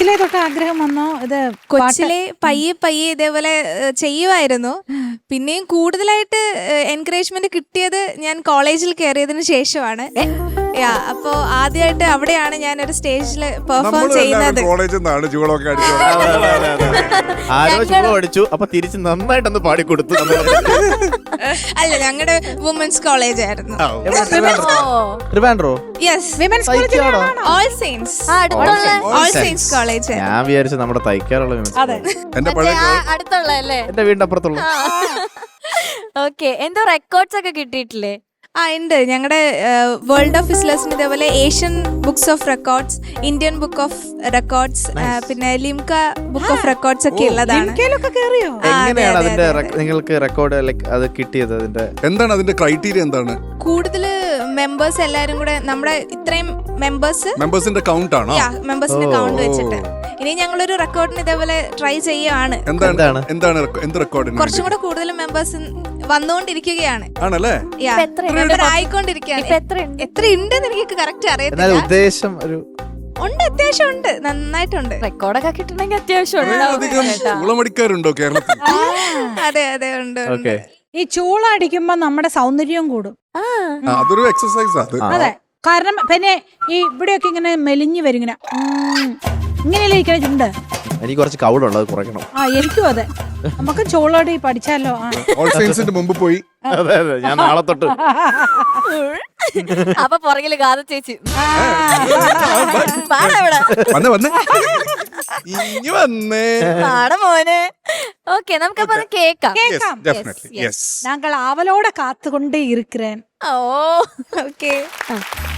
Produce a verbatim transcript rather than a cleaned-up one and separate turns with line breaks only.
കൊച്ചിലെ തൊട്ട് ആഗ്രഹം വന്നോ? ഇത്
കൊച്ചിലെ പയ്യെ പയ്യെ ഇതേപോലെ ചെയ്യുമായിരുന്നു. പിന്നെയും കൂടുതലായിട്ട് എൻകറേജ്മെന്റ് കിട്ടിയത് ഞാൻ കോളേജിൽ കയറിയതിനു ശേഷമാണ്. അപ്പോ ആദ്യമായിട്ട് അവിടെയാണ് ഞാൻ ഒരു സ്റ്റേജിൽ പെർഫോം ചെയ്യുന്നത്.
പഠിച്ചു അപ്പൊ തിരിച്ച് നന്നായിട്ടൊന്ന് പാടിക്കൊടുത്തു.
അല്ല, ഞങ്ങളുടെ വുമൻസ് കോളേജ് ആയിരുന്നു. All saints all saints college.
ഞാൻ വിചാരിച്ചു നമ്മുടെ തൈക്കാറുള്ള
അടുത്തുള്ളല്ലേ,
എന്റെ വീടിന്റെ അപ്പുറത്തുള്ള.
ഓക്കെ, എന്തോ റെക്കോർഡ്സ് ഒക്കെ കിട്ടിയിട്ടില്ലേ?
ആ ഉണ്ട്. ഞങ്ങളുടെ വേൾഡ് ഓഫ് വിസ്ലേഴ്സിന് ഇതേപോലെ Asian books of records, Indian book of records, പിന്നെ ലിംക ബുക്ക് ഓഫ് റെക്കോർഡ്സ് ഒക്കെ ഉള്ളതാണ്.
എങ്ങനെയാണ് അതിന്റെ നിങ്ങൾക്ക് റെക്കോർഡ് അത് കിട്ടിയത്? അതിന്റെ
എന്താണ് അതിന്റെ ക്രൈറ്റീരിയ? എന്താണ്
കൂടുതൽ മെമ്പേഴ്സ് എല്ലാരും കൂടെ നമ്മുടെ ഇത്രയും മെമ്പേഴ്സ്
മെമ്പേഴ്സിന്റെ കൗണ്ട് ആണോ?
മെമ്പേഴ്സിന്റെ കൗണ്ട് വെച്ചിട്ട് ഇനി ഞങ്ങളൊരു റെക്കോർഡിന് ഇതേപോലെ ട്രൈ ചെയ്യുകയാണ്.
എന്താണ് എന്താണ് എന്ത് റെക്കോർഡിന്?
കുറച്ചും കൂടെ കൂടുതൽ മെമ്പേഴ്സ് വന്നുകൊണ്ടിരിക്കുകയാണ്.
ആണല്ലേ?
ആയിക്കൊണ്ടിരിക്കുകയാണ്. എത്ര ഉണ്ടെന്ന് എനിക്ക് കറക്റ്റ് അറിയത്തില്ല.
ഉദ്ദേശം ഒരു
ഉണ്ട്, അത്യാവശ്യം ഉണ്ട്, നന്നായിട്ടുണ്ട്.
റെക്കോർഡൊക്കെ കിട്ടണമെങ്കിൽ അത്യാവശ്യം
ഉളമടിക്കാരുണ്ടോ കേരളത്തിൽ?
അതെ അതെ ഉണ്ട്.
ഈ ചൂള അടിക്കുമ്പോ നമ്മുടെ സൗന്ദര്യം കൂടും.
അതൊരു എക്സസൈസ് അത്.
അതെ, കാരണം പിന്നെ ഈ ഇവിടെയൊക്കെ ഇങ്ങനെ മെലിഞ്ഞു വരും, ഇങ്ങനെ ഇങ്ങനെയല്ലേ ഇരിക്കണ ചുണ്ട്.
എനിക്ക് കുറച്ച് കൗളുള്ളത് കുറയ്ക്കണം.
ആ, എനിക്കും അതെ. നമുക്ക് ചോളോടി പഠിച്ചാലോ?
ഓൾ സയൻസിന്റെ മുമ്പ് പോയി.
അതെ അതെ, ഞാൻ നാളെ തൊട്ട്.
അപ്പൊ പുറകില് ഗാഥ ചേച്ചി മോനെ. ഓക്കെ, നമുക്കപ്പൊ കേക്കാം.
ഞങ്ങൾ ആവലോടെ കാത്തുകൊണ്ടേ ഇരിக்கிறேன்.
ഓ
ഓക്കെ.